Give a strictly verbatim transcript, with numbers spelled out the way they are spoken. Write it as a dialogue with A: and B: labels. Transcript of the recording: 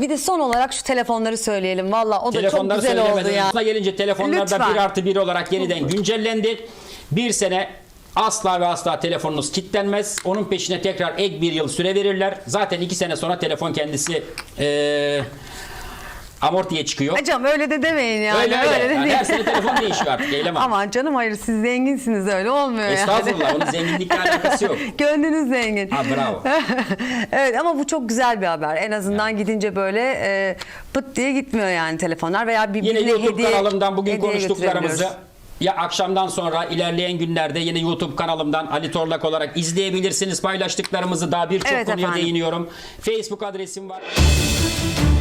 A: Bir de son olarak şu telefonları söyleyelim. Valla o da çok
B: Telefonları
A: güzel oldu
B: söylemedim.
A: ya.
B: Buna gelince telefonlarda
A: Lütfen.
B: bir artı bir olarak yeniden güncellendi. Bir sene asla ve asla telefonunuz kilitlenmez. Onun peşine tekrar ek bir yıl süre verirler. Zaten iki sene sonra telefon kendisi ee, amortiye çıkıyor.
A: Hocam öyle de demeyin yani.
B: Öyle öyle.
A: de
B: Yani
A: değil.
B: her sene telefon değişiyor artık. Eylem Hanım.
A: Aman canım hayır siz zenginsiniz öyle olmuyor
B: Estağfurullah.
A: yani.
B: Onun zenginlikle alakası yok.
A: Gönlünüz zengin.
B: Ha, bravo.
A: Evet ama bu çok güzel bir haber. En azından yani. Gidince böyle e, pıt diye gitmiyor yani telefonlar veya birbirine
B: Yine YouTube
A: hediye,
B: kanalımdan bugün
A: hediye
B: konuştuklarımızı
A: götürebiliyoruz.
B: ya akşamdan sonra ilerleyen günlerde yine YouTube kanalımdan Ali Torlak olarak izleyebilirsiniz. Paylaştıklarımızı daha birçok
A: Evet
B: konuya
A: efendim.
B: değiniyorum. Facebook adresim var.